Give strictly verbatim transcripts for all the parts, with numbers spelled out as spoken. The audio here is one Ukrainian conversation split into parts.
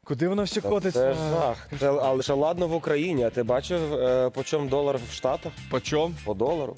Куди воно все котиться? Це жах. Це, але ще ладно в Україні, а ти бачив, е, по чому долар в Штатах? По чому? По долару.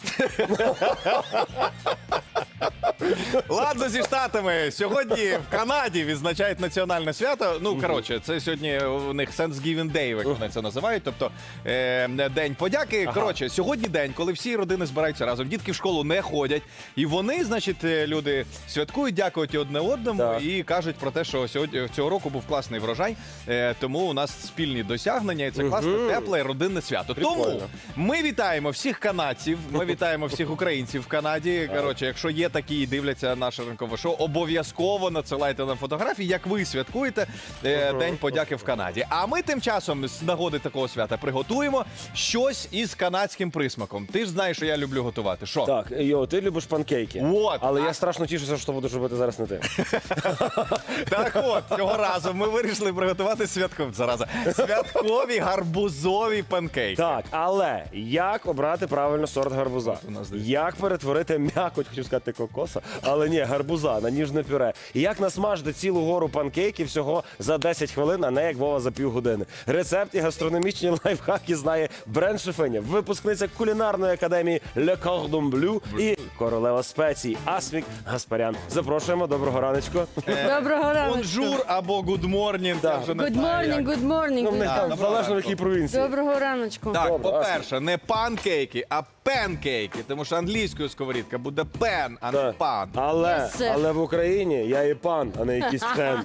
Ладно, зі Штатами. Сьогодні в Канаді відзначають національне свято. Ну, коротше, це сьогодні у них Thanksgiving Day, як вони це називають, тобто е, День подяки. Ага. Коротше, сьогодні день, коли всі родини збираються разом, дітки в школу не ходять, і вони, значить, е, люди святкують, дякують одне одному Так. і кажуть про те, що сьогодні цього року був класний врожай, е, тому у нас спільні досягнення, і це класне, тепле родинне свято. Прикольно. Тому ми вітаємо всіх канадців, ми вітаємо всіх українців в Канаді. Коротше, якщо є такі і дивляться наше ранкове шоу, обов'язково надсилайте нам фотографії, як ви святкуєте е, День подяки в Канаді. А ми тим часом з нагоди такого свята приготуємо щось із канадським присмаком. Ти ж знаєш, що я люблю готувати. Що? Так, йо, ти любиш панкейки. От. Але А- я страшно тішуся, що будеш робити зараз не ти. Так от, цього разу ми вирішили приготувати святкові, зараза, святкові гарбузові панкейки. Так, але як обрати правильно сорт гарбуза? у нас десь. Як перетворити м'якоть, хотів сказати кокоса, але ні, гарбуза на ніжне пюре. І як насмажити цілу гору панкейків всього за десять хвилин, а не як Вова за півгодини. Рецепт і гастрономічні лайфхаки знає бренд-шефиня, випускниця кулінарної академії Le Cordon Bleu і королева спецій Асмік Гаспарян. Запрошуємо, доброго раночку. Доброго ранку. Бонжур або good morning. я Так. вже не Good знаю, morning, як. good morning. Ну, в них good- там доброго залежно в ранку. якій провінції. Доброго раночку. Так, Добре, по-перше, не панкейки, а пенкейки, тому що англійською сковорідка буде пен, а не Так. пан. Але, Yes, sir. але в Україні я і пан, а не якийсь фен.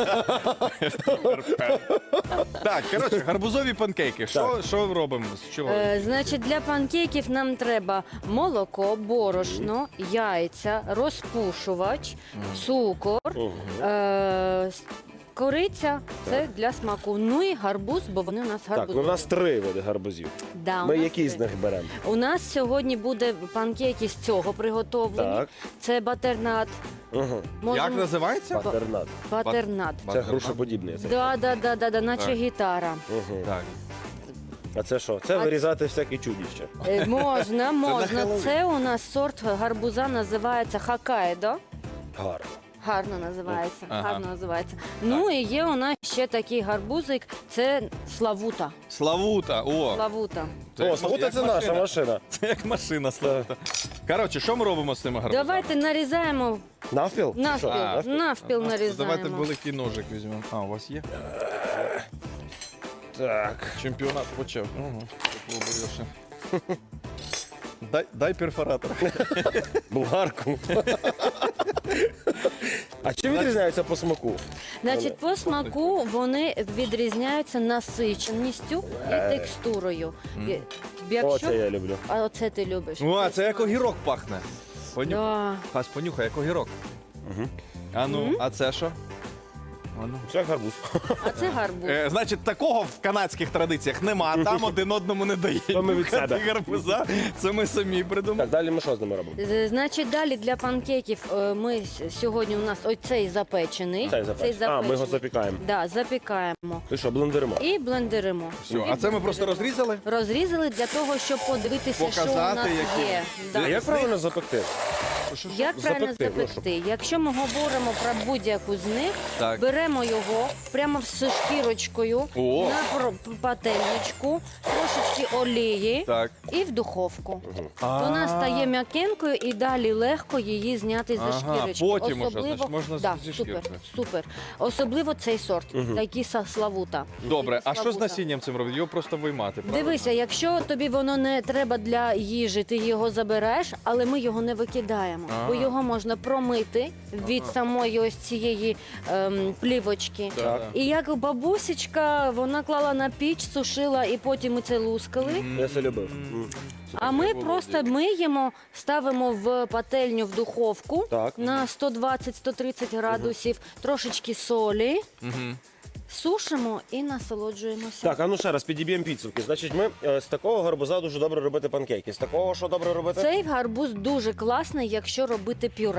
Так, коротше, гарбузові панкейки. Що, що робимо? З чого? Е, значить, для панкейків нам треба молоко, борошно, яйця, розпушувач, цукор, е, с- кориця. Це для смаку. Ну і гарбуз, бо вони у нас Так, гарбузові. ну у нас три види гарбузів. Да, у Ми нас які з три. них беремо? У нас сьогодні буде панкейки з цього приготовлені. Так. Це батернат. Угу. Як називається? Патернат. Батернат. Це Батернат. грушоподібний. Це. Да, да, да, да, да, наче Так. гітара. Угу. Так. А це що? Це А вирізати всякі чудіща. Е, Можна, можна. Хеллоуін. Це у нас сорт гарбуза називається Хоккайдо. Гарно. Гарно називається. Ага. Гарно називається. Ну і є у нас ще такий гарбузик. Це Славута. Славута. О, Славута. це О, як- слухайте, як це наша машина. машина. Це як машина Славута. Коротше, що ми робимо з цими гарбузами? Давайте нарізаємо Навпіл? навпіл. Що? А, Навпіл А, нарізаємо. Давайте великий ножик візьмемо. А, у вас є? Так. Чемпіонат почав. Угу. Дай, дай перфоратор. Булгарку. А чим відрізняється по смаку? Значить, по смаку вони відрізняються насиченістю і текстурою. І- О, Якщо... це я люблю. А оце ти любиш. О, це як огірок пахне. Понюхай. Да. Хас, понюхай, як огірок. А ну, а це що? А ну. Це гарбуз. А це гарбуз. Е, значить, такого в канадських традиціях нема, там один одному не дають. То ми від себе. нюхати гарбуза. Це ми самі придумали. Так, далі ми що з ними робимо? З- Значить, далі для панкейків е, ми с- сьогодні у нас оцей запечений. Цей запечений. А, ми його запікаємо. Да, запікаємо. І що, блендеримо? І блендеримо. Все, а це ми просто розрізали? Розрізали для того, щоб подивитися, що у Показати, нас які. є. А Да. як правильно запекти? Як правильно запекти, запекти? Якщо ми говоримо про будь-яку з них, Так. беремо його прямо з шкірочкою О. на пр- пательничку, трошечки олії Так. і в духовку. А. Вона стає м'якенькою і далі легко її зняти зі Ага, шкірочки. потім уже, значить, можна з- да, зі супер, шкіркою. супер. Особливо цей сорт, такий са- славута. Добре, а що з Славута. насінням цим робити? Його просто виймати, правильно? Дивися, якщо тобі воно не треба для їжі, ти його забереш, але ми його не викидаємо, бо Ага. його можна промити від самої ось цієї ем, плівочки. Так. І як бабусечка, вона клала на піч, сушила і потім ми це лускали. Я це любив. М. А ми просто миємо, ставимо в пательню в духовку Так. на сто двадцять - сто тридцять градусів, трошечки солі, Мгм. сушимо і насолоджуємося. Так, а ну ще раз підіб'ємо підсумки. Значить, ми е, з такого гарбуза дуже добре робити панкейки. З такого що добре робити? Цей гарбуз дуже класний, якщо робити пюре.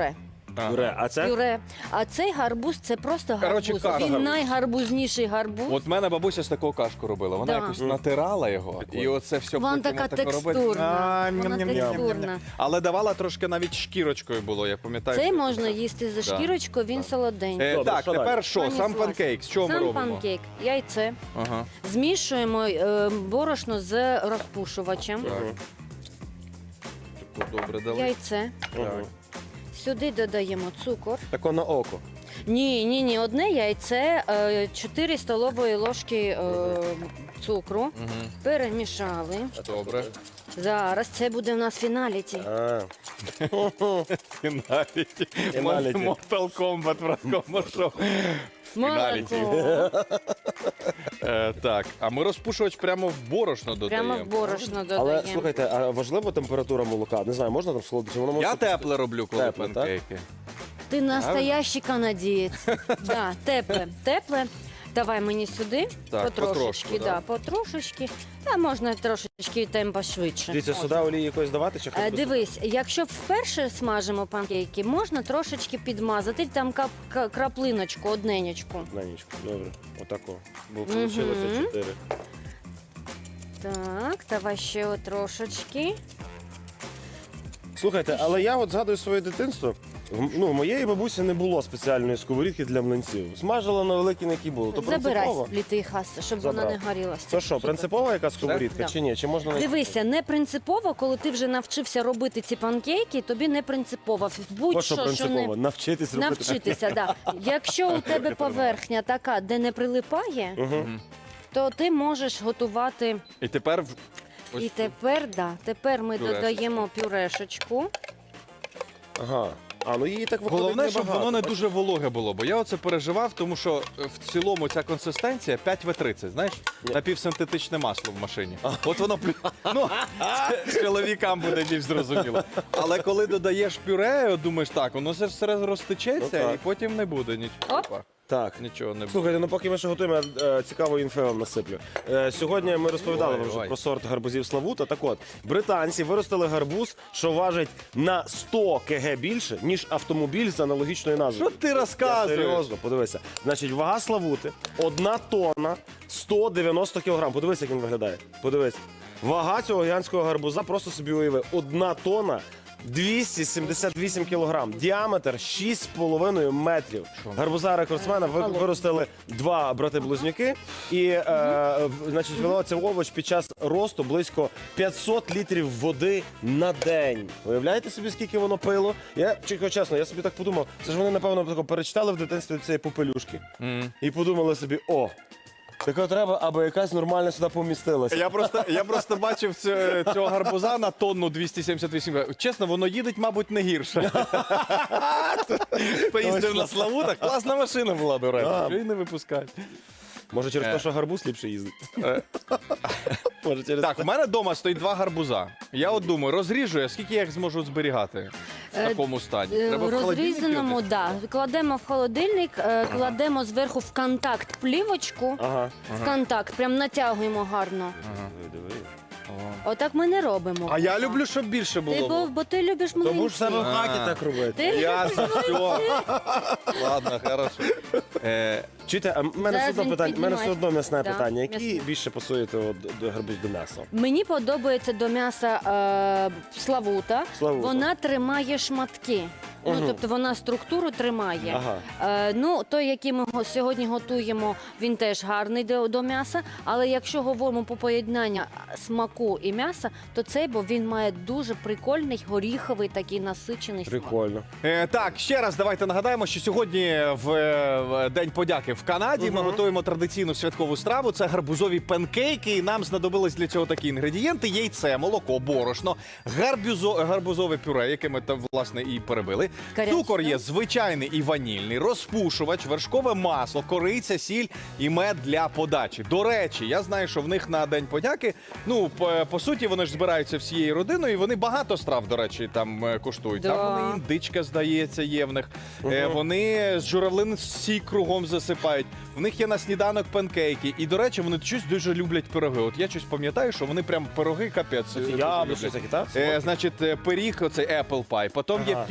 Ага. Пюре. А це? Пюре. А цей гарбуз це просто Коротше, гарбуз. каша. Він найгарбузніший гарбуз. От в мене бабуся з такого кашку робила. Вона Да. якось натирала його, і оце все Вона потім така отако робить. текстурна. А, Вона ням-ням-ням-ням-ням. текстурна. Але давала трошки навіть шкірочкою було, я пам'ятаю. Цей що- можна їсти за Да. шкірочку, він солоденький. Е, Добре, так, що тепер далі? що? Пані Сам Слась. панкейк. Що ми Сам робимо? панкейк, яйце. Ага. Змішуємо е, борошно з розпушувачем. Так. Таку добре дали. Яйце. Мгм. Сюди додаємо цукор. Тако на око. Ні, ні, ні, одне яйце, е, чотири столової ложки е, цукру. Мгм. Перемішали. Добре. Зараз це буде в нас фіналіті. А. Фіналіті. Фіналіті. Mortal Kombat в такому шоу. Фіналіті. Молоко. Е, так, а ми розпушувач прямо в борошно додаємо. Прямо в борошно Але додаємо. слухайте, а важлива температура молока? Не знаю, можна там солодити? Воно може Я бути- тепле роблю, коли Тепле, так? панкейки. Ти настоящий канадієць. Да, тепле, тепле. Давай мені сюди. Так, потрошечки, потрошку, да. да, потрошечки. Та можна трошечки темпо швидше. Дивіться, Можна. сюди олії якось давати чи хоч Е, без- Дивись, якщо вперше смажимо панкейки, можна трошечки підмазати, там кап- ка- краплиночку, одненечку. На нічку, добре. Отако. Бо Мгм. вийшло чотири. Так, давай ще от трошечки. Слухайте, але я от згадую своє дитинство. В- Ну, в моєї бабусі не було спеціальної сковорідки для млинців. Смажила на великій, на якій було. То Забирай принципово. літий хаса, щоб вона Забрав. не горіла. Це що, принципова яка сковорідка Да. чи ні? Чи можна на- Дивися, не принципово, коли ти вже навчився робити ці панкейки, тобі не принципово. То, що Будь-що, що принципово? не Навчитись робити. навчитися. Да. Якщо у тебе поверхня така, де не прилипає, Мгм. то ти можеш готувати. І тепер в- ось І тепер, да, тепер ми Пюрешечку. додаємо пюрешечку. Ага. А, ну її так виходить головне, щоб небагато. воно не дуже вологе було, бо я оце переживав, тому що е, в цілому ця консистенція п'ять ве тридцять, знаєш, напівсинтетичне масло в машині. От воно плю- ну, це чоловікам буде більш зрозуміло. Але коли додаєш пюре, от думаєш, так, воно все все розтечеться Ну, так. і потім не буде нічого. Оп. Опа, Так. Нічого не буде. Слухайте, ну поки ми ще готуємо, я е, цікаву інфo вам насиплю. Е, сьогодні ми розповідали Ой, вам вже ой. про сорт гарбузів Славута. Так от, британці виростили гарбуз, що важить на сто кілограмів більше, ніж автомобіль з аналогічною назвою. Що ти Я розказуєш? серйозно, подивися. Значить, вага Славути одна тонна сто дев'яносто кілограм. Подивись, як він виглядає. Подивись. Вага цього гігантського гарбуза, просто собі уяви, одна тонна двісті сімдесят вісім кілограм. Діаметр шість з половиною метрів. Гарбуза рекордсмена ви- виростили два брати-близнюки. І, е, в- значить, вилила цей овоч під час росту близько п'ятсот літрів води на день. Уявляєте собі, скільки воно пило? Я, чесно, чесно, я собі так подумав, це ж вони, напевно, тако перечитали в дитинстві цієї попелюшки. Мгм. І подумали собі, о, таке треба, аби якась нормальна сюди помістилася. Я просто, я просто бачив цю- цього гарбуза на тонну двісті сімдесят вісім. Чесно, воно їдеть, мабуть, не гірше. Поїздив на Славутах. Класна машина була, до речі. Да. Що її не випускають. Може, через Е. те, що гарбуз ліпше їздить. Е. Може, через Так, у мене вдома стоїть два гарбуза. Я от думаю, розріжу я, скільки я їх зможу зберігати в Е, такому стані. Е, Треба в холодильник Розрізаному, кинути? да. Кладемо в холодильник, е, кладемо зверху в контакт плівочку. Ага. В контакт, прям натягуємо гарно. Диви, диви. Отак ми не робимо. А я люблю, щоб більше Ти, бо, було. бо ти любиш млинці. Тому ж в себе в хаті А. так робити. Ти любиш Ясно, все. Ладно, хорошо. Е, Чуєте, а в мене Зараз все одно він питання, в мене все піднімає. одно м'ясне Да, питання. Які м'ясне. більше пасуєте от до гарбуз до м'яса? Мені подобається до м'яса е, славута. Славута. Вона тримає шматки. Мгм. Ну, тобто вона структуру тримає. Ага. Е, ну, той, який ми го- сьогодні готуємо, він теж гарний до, до м'яса. Але якщо говоримо по поєднанню смаку і м'яса, то цей, бо він має дуже прикольний горіховий такий насичений смак. Прикольно. Е, так, ще раз давайте нагадаємо, що сьогодні в, е, в День подяки в Канаді ми готуємо традиційну святкову страву. Це гарбузові панкейки. І нам знадобились для цього такі інгредієнти: яйце, молоко, борошно, гарбузо, гарбузове пюре, яке ми там власне і перебили. Карячка. Цукор є звичайний і ванільний, розпушувач, вершкове масло, кориця, сіль і мед для подачі. До речі, я знаю, що в них на День подяки, ну по, по суті, вони ж збираються всією родиною, і вони багато страв, до речі, там е, куштують. Да. Там вони індичка, здається, є в них. Е, вони з журавлин сік кругом засипають. В них є на сніданок панкейки. І, до речі, вони щось дуже люблять пироги. От я щось пам'ятаю, що вони прям пироги капець. е, дуже Яблучні люблять. такі, так? Е, значить, е, пиріг, оцей apple pie, потім є Ага. pecan pie,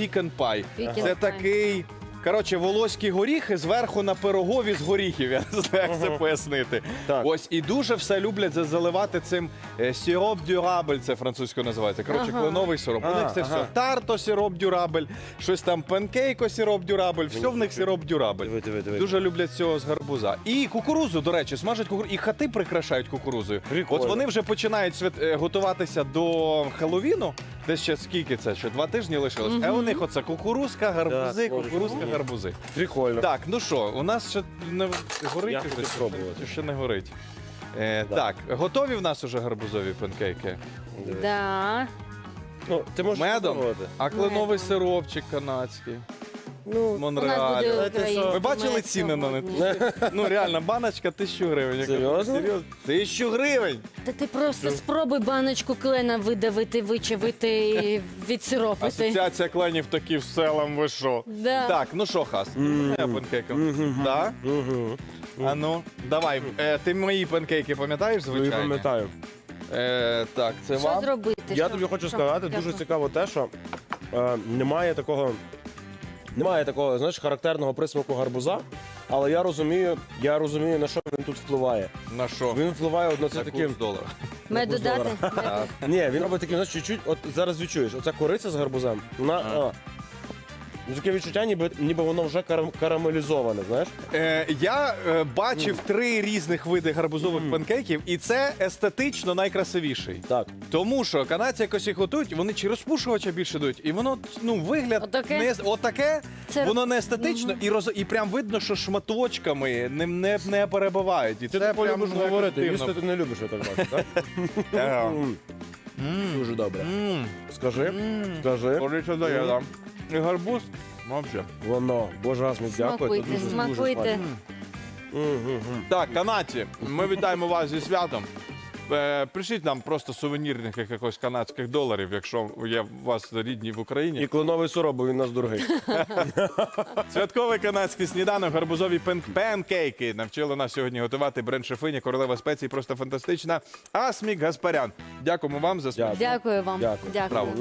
пай. Пікінг Це пай. такий. Коротше, волоські горіхи зверху на пирогові з горіхів. Я не знаю, як це пояснити. Так. Ось і дуже все люблять за- заливати цим е, сироп дюрабель, це французькою називається. Коротше, Ага. кленовий сироп. У А, них це ага. все тарто сироп дюрабель, щось там панкейко сироп дюрабель, все в них сироп дюрабель. Диви, диви, диви. Дуже люблять цього з гарбуза. І кукурузу, до речі, смажать кукурузу. І хати прикрашають кукурузою. Прикольно. От вони вже починають свят... е, готуватися до Хеллоуіну. Десь ще скільки це? Ще два тижні лишилось. А у них оце кукурузка, гарбузи, Так, кукурузка, Боже. гарбузи. Прикольно. Так, ну що, у нас ще не горить? Я чи хочу ще- спробувати. чи ще не горить. Е, Да. Так, готові в нас уже гарбузові панкейки? Диви. Да. Ну, ти можеш Медом? спробувати. А кленовий Медом. сиропчик канадський. Ну, у нас Монреаль. буде Знаєте, що? український Ви бачили мед ціни на сьогодні. них? Ну реально, баночка тисячу гривень. Я кажу, Серйозно? Серйозно? Тисячу гривень! Та ти просто спробуй баночку клена видавити, вичавити і відсиропити. Асоціація кленів такі в селам, ви що? Да. Так, ну що, Хас, я панкейком. Так? Угу. А ну, давай, е, ти мої панкейки пам'ятаєш, Я звичайно? пам'ятаю. Е, так, це Що вам. зробити? Я Що? тобі хочу Що? сказати, Дякую. дуже цікаво те, що е, немає такого, немає такого, знаєш, характерного присмаку гарбуза, але я розумію, я розумію, на що він тут впливає. На що? Він впливає от на це На таким. курс долара. Меду курс дати? долара. Меду. Ні, він робить таким, знаєш, чуть-чуть, от зараз відчуєш, оця кориця з гарбузем, вона. А. Ну, таке відчуття, ніби, ніби воно вже карам- карамелізоване, знаєш? Е, я е, бачив три різних види гарбузових панкейків, і це естетично найкрасивіший. Так. Тому що канадці якось їх готують, вони чи розпушувача більше дають, і воно ну вигляд Отаке? не отаке, Це- воно не естетично, і роз і прям видно, що шматочками не, не, не перебивають. І Ти це так прям любиш ну, говорити, ефективно. їсти ти не любиш, я так бачу, так? Ага. М, М, Дуже добре. м, Скажи, м. скажи. Кориця дає, да. І гарбуз, мовче. Воно, боже, Асмік, дякую. Смакуйте, це дуже, дуже смакуйте. смачно. Мгм, мгм. Так, канадці, ми вітаємо вас зі святом. Е, Пришіть нам просто сувенірних якихось канадських доларів, якщо є у вас рідні в Україні. І кленовий сироп, бо він нас дорогий. Святковий канадський сніданок, гарбузові пен панкейки. Навчила нас сьогодні готувати бренд-шефиня, королева спецій, просто фантастична. Асмік Гаспарян. Дякуємо вам за смачну Дякую. Дякую вам. Дякую. Дякую. справу.